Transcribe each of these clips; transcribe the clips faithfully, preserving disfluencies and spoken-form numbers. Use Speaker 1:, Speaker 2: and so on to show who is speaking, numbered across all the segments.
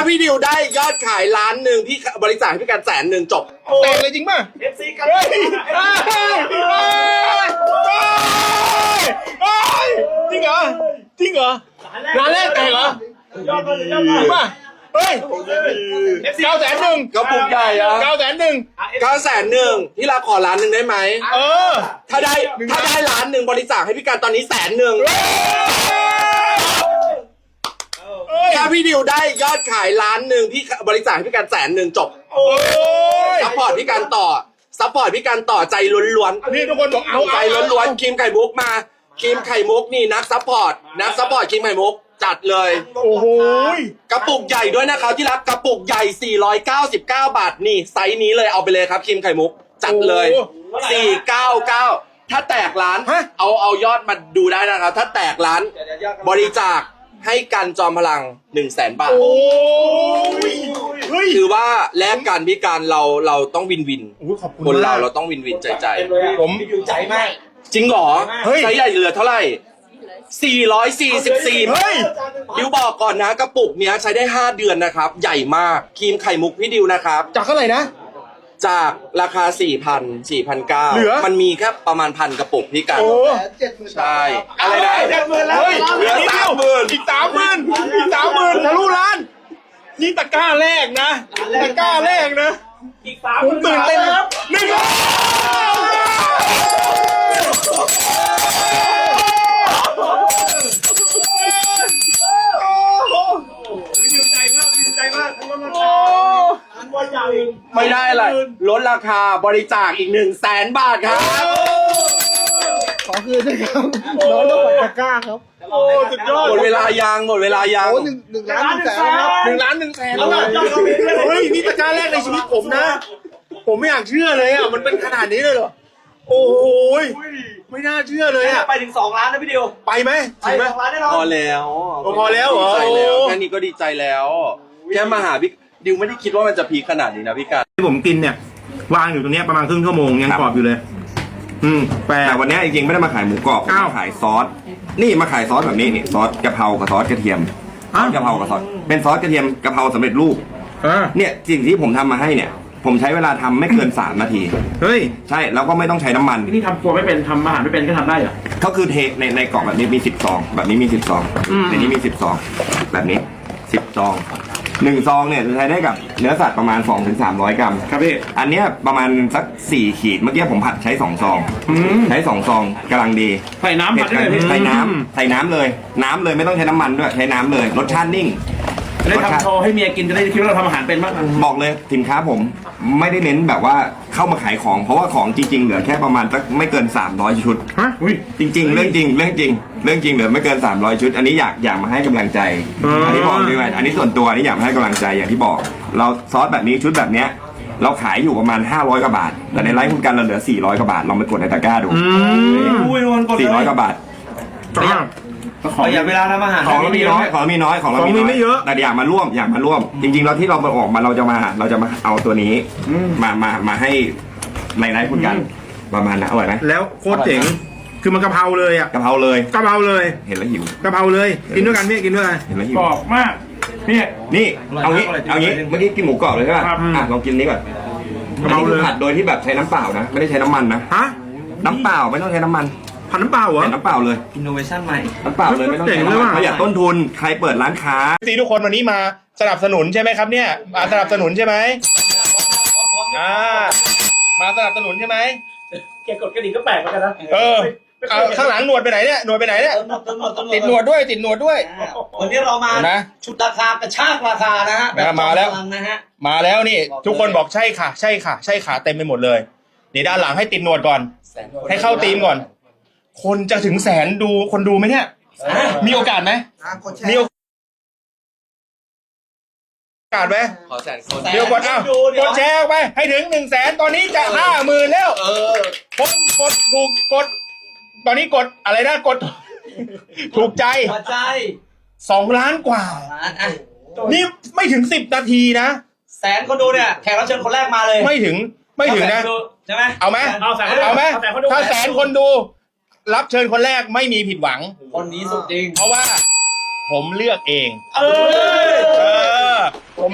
Speaker 1: พี่ดิวได้ยอดขายล้านหนึ่งพี่บริจาคให้พี่การแสนหนึ่งจบแต่งเลยจริงป่ะเอฟซีกันจริงเหรอจริงเหรอร้านแรกแต่งเหรอยอดเลยยอดเลยป่ะเฮ้ยเก้าแสนหนึ่งกระปุกใหญ่อะเก้าแสนหนึ่งเก้าแสนหนึ่งที่เราขอล้านหนึ่งได้ไหมเออถ้าได้ถ้าได้ล้านหนึ่งบริจาคให้พี่การตอนนี้แสนหนึ่งถ้าพี่ดิวได้ยอดขายล้านหนึ่งพี่บริจาคให้พี่การแสนหนึ่งจบซัพพอร์ตพี่การต่อซัพพอร์ตพี่การต่อใจล้วนๆนี่ทุกคนบอกเอาใจล้วนๆครีมไข่มุกมาครีมไข่มุกนี่นักซัพพอร์ตนักซัพพอร์ตครีมไข่มุกจัดเลยโอ้โหกระปุกใหญ่ด้วยนะครับที่รักกระปุกใหญ่สี่ร้อยเก้าสิบเก้าบาทนี่ไซส์นี้เลยเอาไปเลยครับครีมไข่มุกจัดเลยสี่ร้อยเก้าสิบเก้าถ้าแตกร้านเอาเอายอดมาดูได้นะครับถ้าแตกร้านบริจาคให้กันจอมพลังหนึ่งแสนบาทถือว่าแลกกันพิการเราเราต้องวินวินคนเราเราต้องวินวินใจใจผมอยู่ใจมากจริงเหรอไซส์ใหญ่เหลือเท่าไหร่สี่ร้อยสี่สิบสี่เฮ้ยดิวบอกก่อนนะกระปุกเนี้ยใช้ได้ห้าเดือนนะครับใหญ่มากครีมไข่มุกพี่ดิวนะครับจากเท่าไหร่นะจากราคา สี่พัน สี่พันเก้าร้อย มันมีแค่ประมาณพันกระปุกพี่กันใช่อะไรนะเจ็ดหมื่นแล้วเหลือสามหมื่นอีกสามหมื่นอีกสามหมื่นทะลุล้านนี่ตะกร้าแรกนะตะกร้าแรกนะอีกสามหมื่นตื่นเต้นครับหนึ่งล้านไม่ได้เลยลดราคาบริจาคอีกหนึ่งแสนบาทครับ
Speaker 2: ขอคืนด้วยครับน้องต้องปัดตะกร้าครับ
Speaker 1: โอ้สุดยอดหมดเวลายางหมดเวลายาง
Speaker 2: โอ้หนึ่งหนึ่งล้านหนึ่งแสนครับ
Speaker 1: หนึ่งล้านหนึ่งแสนเฮ้ยนี่ตะกร้าแรกในชีวิตผมนะผมไม่อยากเชื่อเลยอ่ะมันเป็นขนาดนี้เลยเหรอโอ้ยไม่น่าเชื่อเลยอ่ะ
Speaker 3: ไปถึงสองล้านนะพี่ดิว
Speaker 1: ไปไหม
Speaker 3: ไปสองล้านแน่นอน
Speaker 1: พอแล้วพอแล้วเหรอแค่นี้ก็ดีใจแล้วแค่มาหาพี่ดิวไม่ได้คิดว่ามันจะพีคขนาดนี้นะพี่การ
Speaker 4: ที่ผมกินเนี่ยวางอยู่ตรงนี้ประมาณครึ่งชั่วโมงยังกรอบอยู่เลยอืมแต่วันนี้จริงๆไม่ได้มาขายหมูกรอบมาขายซอสนี่มาขายซอสแบบนี้นี่ซอสกะเพรากับซอสกระเทียมซอสกะเพรากับซอสเป็นซอสกระเทียมกะเพราสำเร็จรูปเนี่ยสิ่งที่ผมทำมาให้เนี่ยผมใช้เวลาทำไม่เกินสามนาทีเฮ้ยใช่แล้วก็ไม่ต้องใช้น้ำมัน
Speaker 5: นี่ทำครัวไม่เป็นทำอาหารไม่เป็นก็ทำได้เหรอ
Speaker 4: ก็คือเทในในกล่องแบบนี้มีสิบซองแบบนี้มีสิบซองในนี้มีสิบซองแบบนี้สิบซองหนึ่งซองเนี่ยจะใช้ได้กับเนื้อสัตว์ประมาณ สองถึงสามร้อย กรัม
Speaker 5: ครับพี่
Speaker 4: อันเนี้ยประมาณสักสี่ขีดเมื่อกี้ผมผัดใช้สองซองใช้สองซองกำลังดี
Speaker 5: ใส่น้ำผัดได้เลย
Speaker 4: ใส่น้ำใส่น้ำเลยน้ำเลยไม่ต้องใช้น้ำมันด้วยใช้น้ำเลยรสชาตินิ่ง
Speaker 5: ได้ทำโชว์ให้เมียกินจะได้คิดว่าเราทำอาหารเป็นมาก
Speaker 4: บอกเลยสินค้าผมไม่ได้เน้นแบบว่าเข้ามาขายของเพราะว่าของจริงๆเหลือแค่ประมาณสักไม่เกินสามร้อยชุด
Speaker 5: ฮะ
Speaker 4: จริงๆเรื่องจริงเรื่องจริงเรื่องจริงเหลือไม่เกินสามร้อยชุดอันนี้อยากอยากมาให้กำลังใจอันนี้บอกด้วยอันนี้ส่วนตัวอันนี้อยากมาให้กำลังใจอย่างที่บอกเราซอสแบบนี้ชุดแบบเนี้ยเราขายอยู่ประมาณห้าร้อยกว่าบาทแต่ในไลฟ์คุณกันเราเหลือสี่ร้อยกว่าบาทลองไปกดในตะกร้าดูสี่ร้อยกว่าบาท
Speaker 3: ขออย่าเวลาทำอาหาร
Speaker 4: ของเรามีน้อยของเรามีน้อยของเรามีไม่เยอะแต่อยากมาร่วมอยากมาร่วมจริงๆเราที่เรามาออกมาเราจะมาเราจะมาเอาตัวนี้มามามาให้ในไลฟ์คุณกันประมาณนั้นอร่อยไหม
Speaker 5: แล้วโคตรเจ๋งคือมันกะเพราเลยอ่ะ
Speaker 4: กะเพราเลย
Speaker 5: กะเพราเลย
Speaker 4: เห็นแล้วหิว
Speaker 5: กะเพราเลยกินด้วยกันพี่กินด้วยกัน
Speaker 4: เห็นแล้วหิว
Speaker 5: กรอบมาก
Speaker 4: นี่นี่เอางี้เอางี้เมื่อกี้กินหมูกรอบเลยใช่ป่ะอ่ะลองกินนี้ก่อนกะเพราเลยผัดโดยที่แบบใช้น้ำเปล่านะไม่ได้ใช้น้ำมันนะ
Speaker 5: ฮะ
Speaker 4: น้ำเปล่าไม่ต้องใช้น้ำมัน
Speaker 5: ผัดน้ำเปล่าเหรอ
Speaker 4: น้ำเปล่าเลย
Speaker 3: อินโนเวชั่นใหม่
Speaker 4: น้ำเปล่าเลยไม่ต้องใช้น้ำมันประหยัดต้นทุนใครเปิดร้านค้า
Speaker 1: ซีทุกคนวันนี้มาสนับสนุนใช่ไหมครับเนี่ยมาสนับสนุนใช่ไหมอ่ามาสนับสนุนใช่ไหม
Speaker 3: แกกดกระดิ่งก็แปลกเหมือนกันนะ
Speaker 1: เออข้างหลังหนวดไปไหนเนี่ยหนวดไปไหนเนี่ยติดหนวดด้วยติดหนวดด้วย
Speaker 3: วันนี้เรามาชุดราคากระชากราคานะฮะ
Speaker 1: มาแล้ว
Speaker 3: นะฮะ
Speaker 1: มาแล้วนี่ทุกคนบอกใช่ค่ะใช่ค่ะใช่ค่ะเต็มไปหมดเลยนี่ด้านหลังให้ติดหนวดก่อนให้เข้าธีมก่อนคนจะถึงแสนดูคนดูไหมเนี่ยมีโอกาสไหมมีโอกาสไหมขอแสนคนเดี๋ยวกดอ้าวกดแชร์ไปให้ถึงหนึ่งแสนตอนนี้จะห้าหมื่นแล้วเออกดกดถูกกดตอนนี้กดอะไรนะกดถูกใจ
Speaker 3: ใจ
Speaker 1: สองล้านกว่านี่ไม่ถึงสิบนาทีนะ
Speaker 3: แสนคนดูเนี่ยแขกรับเชิญคนแรกมาเลย
Speaker 1: ไม่ถึงไม่ถึงนะ
Speaker 3: ใช่ไหม
Speaker 1: เอาไหมเอาไหมถ้าแสนคนดูรับเชิญคนแรกไม่มีผิดหวัง
Speaker 3: คนนี้สุดจริง
Speaker 1: เพราะว่าผมเลือกเอง
Speaker 3: เออ
Speaker 1: เออ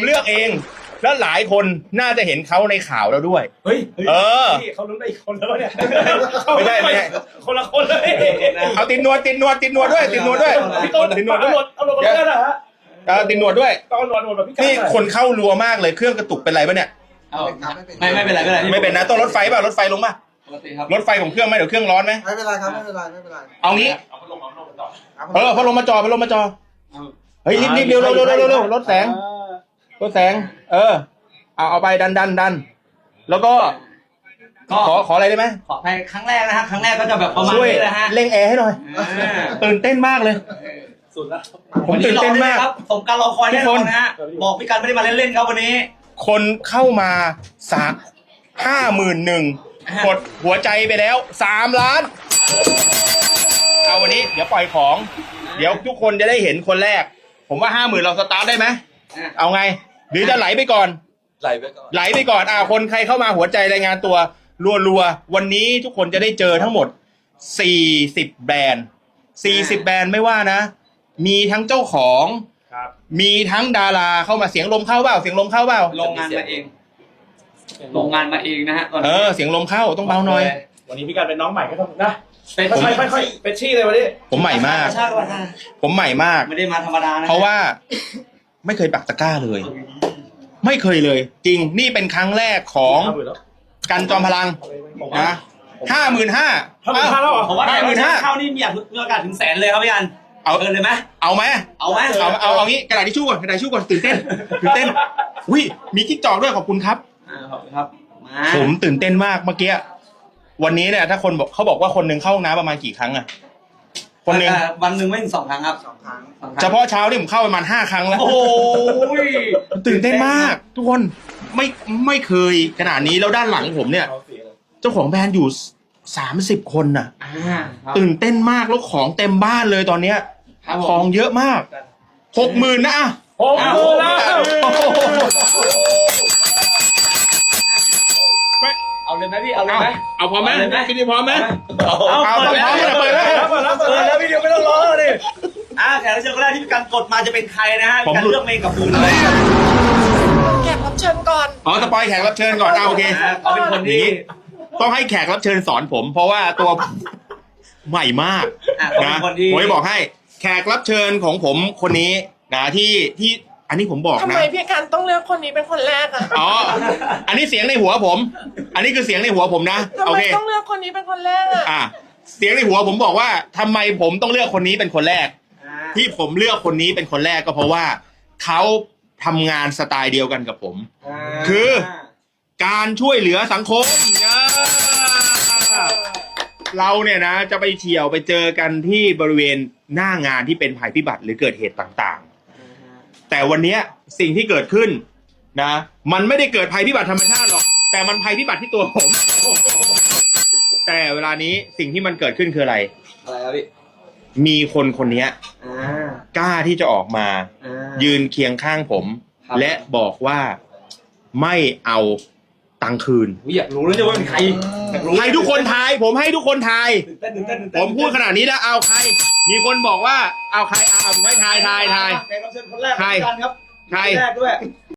Speaker 5: เลือกเอง แล้วหลายคนน่าจะเห็นเขาในข่าวแล้วด้วย
Speaker 3: เฮ้ย
Speaker 5: เออ
Speaker 3: พี่เขาลุ้นไปอีกคนแล้วเนี่ย
Speaker 5: ไม่ได้ไม่ได้
Speaker 3: คนละคนเลย
Speaker 5: เอาติดนวดติดนวดติดนวดด้วยติดนวดด้วย
Speaker 3: พี่ต้น
Speaker 5: ติดนวด
Speaker 3: เอา
Speaker 5: ด้วย
Speaker 3: หนวดเอาหนวดกันเลยนะฮะ
Speaker 5: เออติดนวดด้วย
Speaker 3: ต้องเอาหนวดหนวดแบบพี่
Speaker 5: นี่คนเข้ารัวมากเลยเครื่องกระตุกเป็นไรปะเนี่ย
Speaker 3: เอาไม่ไม่เป็นไรไม่เป็นไร
Speaker 5: ไม่เป็นนะต้องรถไฟเปล่ารถไฟลงป่ะ
Speaker 3: ปกติครับ
Speaker 5: รถไฟของเครื่องไหมเดี๋ยวเครื่องร้อนไหม
Speaker 2: ไม่เป็นไรครับไม่เป็นไรไม่เป็นไร
Speaker 5: เอางี้
Speaker 3: เอาพัดลมเอาพัดลมต่อ
Speaker 5: เออพัดลมมาจอพัดลมมาจอเฮ้ยรีบรีบเร็วเร็วเร็วเร็วเร็วรถแสงรถแสง เออ เอาเอาไปดันดันดันแล้วก็
Speaker 3: ก็
Speaker 5: ขอขออะไรได้ไหม
Speaker 3: ขอไปครั้งแรกนะฮะครั้งแรกก็จะแบบประมาณ
Speaker 5: ช่วย
Speaker 3: นี้นะฮะ
Speaker 5: เร่งแอร์ให้หน่อย ตื่นเต้นมากเลย
Speaker 3: สุดแล้ว
Speaker 5: ผมตื่นเต้นมาก
Speaker 3: ครับสมการรอคอยแน่นอนนะฮะบอกพี่กันไม่ได้มาเล่นๆครับวันนี้
Speaker 5: คนเข้ามาสามห้าหมื่นหนึ่งกดหัวใจไปแล้วสามล้าน เอาวันนี้เดี๋ยวปล่อยของ เดี๋ยวทุกคนจะได้เห็นคนแรก ผมว่าห้าหมื่นเราสตาร์ทได้ไหมเอาไง หรือจะไหลไปก่อน
Speaker 1: ไหลไปก่อน
Speaker 5: ไหลไปก่อนอ่าคนใครเข้ามาหัวใจรายงานตัวรัวๆวันนี้ทุกคนจะได้เจอทั้งหมดสี่สิบแบรนด์สี่สิบแบรนด์ไม่ว่านะ มีทั้งเจ้าของ
Speaker 3: ครับ
Speaker 5: มีทั้งดาราเข้ามาเสียงลมเข้าเปล่าเสียงลมเข้าเปล่า
Speaker 3: โรงงานมาเองโรงงานมาเองนะฮะตอน
Speaker 5: เอ
Speaker 3: นี้
Speaker 5: อเสียงลมเข้าต้องเบาหน่อย
Speaker 3: วันนี้พี่กันเป็นน้องใหม่ก็ต้องนะเป็น
Speaker 5: ผม
Speaker 3: ค่อยๆค่อยๆเป็นชี่เลยวันนี้
Speaker 5: ผมใหม่มาก
Speaker 3: ใช่ป่ะฮะ
Speaker 5: ผมใหม่มาก
Speaker 3: ไม่ได้มาธรรมดานะ
Speaker 5: เพราะว่าไม่เคยปักตะกร้าเลย ไม่เคยเลย จริงนี่เป็นครั้งแรกของกันจอมพลังนะห้าหมื่นห้า
Speaker 3: ห้าหมื่นห้าแล้วเหรอผมว่า
Speaker 5: ห้าหมื่นห้า
Speaker 3: เข้านี่มีโอกาสถึงแสนเลยครับพี่กัน
Speaker 5: เอา
Speaker 3: เกินเลยไหม
Speaker 5: เอาไหม
Speaker 3: เอาไหม
Speaker 5: เอาเอาเอางี้กระดาษทิชชู่ก่อนกระดาษทิชชู่ก่อนตื่นเต้นตื่นเต้นอุ้ยมีกิ๊กจอกด้วยขอบคุณครับ
Speaker 3: อ่าขอบคุณครับมา
Speaker 5: ผมตื่นเต้นมากเมื่อกี้วันนี้เนี่ยถ้าคนบอกเขาบอกว่าคนหนึ่งเข้าห้องน้ำประมาณกี่ครั้งอะคนหนึ่ง
Speaker 3: อ่าวันหนึ่งไม่ถึงสองครั้งครับ
Speaker 2: สองครั้ง
Speaker 3: สองครั้ง
Speaker 5: เฉพาะเช้านี่ผมเข้าประมาณห้าครั้งแล้ว
Speaker 3: โอ้โห
Speaker 5: ตื่นเต้นมาก ทุกคนไม่ไม่เคยขนาดนี้แล้วด้านหลังผมเนี่ย เจ้าของแบรนด์อยู่สามสิบคนน่ะ
Speaker 3: อ่าครับ
Speaker 5: ตื่นเต้นมากแล้วของเต็มบ้านเลยตอนเนี้ย
Speaker 3: ครับผม
Speaker 5: ของเยอะมากหกหมื่นนะอะ
Speaker 3: หกหมื่นแล้วเอาเลยไหมพี่เอาเลย
Speaker 5: เอา
Speaker 3: ไหม
Speaker 5: เอาพร้อมไหม
Speaker 3: เอาเลยไหม
Speaker 5: พี่ดีพร้อมไหม
Speaker 3: เอา
Speaker 5: เอา
Speaker 3: เปิดแล้ว
Speaker 5: เปิดแล้ว
Speaker 3: เปิดแล้วเปิดแล้วพี่เดียวไม่ต้องรอเลยอ่าแขกรับเชิญคนแรกที่พี่กันกดมาจะเป็นใครนะฮะพี่กันเลือกเมงกับปูนเลย
Speaker 5: อ๋อสปอยแขกรับเชิญก่อนเอาโอเค
Speaker 3: เขาเป็นคนที่
Speaker 5: ต้องให้แขกรับเชิญสอนผม เพราะว่าตัวใหม่มาก
Speaker 3: อ่ะเขาเป็
Speaker 5: นะ
Speaker 3: นคนที่
Speaker 5: ผมจะบอกให้แขกรับเชิญของผมคนนี้นะที่ที่อันนี้ผมบอก
Speaker 6: ทำ
Speaker 5: นะ
Speaker 6: ไมพี่กันต้องเลือกคนนี้เป็นคนแรกอะ
Speaker 5: อ๋ออันนี้เสียงในหัวผม อันนี้คือเสียงในหัวผมนะ
Speaker 6: ทำ
Speaker 5: โอ
Speaker 6: ไม
Speaker 5: เค
Speaker 6: ต้องเลือกคนนี้เป็นคนแรกอะ
Speaker 5: อ่ะเสียงในหัวผมบอกว่าทำไมผมต้องเลือกคนนี้เป็นคนแรก
Speaker 3: อ่า
Speaker 5: ที่ผมเลือกคนนี้เป็นคนแรกก็เพราะว่าเขาทำงานสไตล์เดียวกันกับผม คือ การช่วยเหลือสังคมอ่าเราเนี่ยนะจะไปเฉี่ยวไปเจอกันที่บริเวณหน้างานที่เป็นภัยพิบัติหรือเกิดเหตุต่างๆ แต่วันเนี้ยสิ่งที่เกิดขึ้นนะ มันไม่ได้เกิดภัยพิบัติธรรมชาติหรอก แต่มันภัยพิบัติที่ตัวผม แต่เวลานี้สิ่งที่มันเกิดขึ้นคืออะไร
Speaker 3: อะไรครับพี่
Speaker 5: มีคนคนนี้
Speaker 3: อ่าก
Speaker 5: ล้าที่จะออกมา
Speaker 3: อ่า
Speaker 5: ยืนเคียงข้างผม
Speaker 3: ครับ
Speaker 5: และบอกว่าไม่เอาตังค์คืน
Speaker 3: อุ๊ยอยากรู้แล้วเนี่ยว่าเป็นใครอยากรู้
Speaker 5: ให้ทุกคนทาย ผมให้ทุกคนทาย
Speaker 3: ตื่นเต้นตื่นเต้นตื่น
Speaker 5: ผ
Speaker 3: เต้น
Speaker 5: มพูดขนาดนี้แล้วเอาใคร มีคนบอกว่าเอาใครเอาผมให้ทายทายทาย
Speaker 3: แขกรับเชิญคนแรก
Speaker 5: ใคร
Speaker 3: พี่กันครับ
Speaker 5: ใคร
Speaker 3: คนแรกด้วย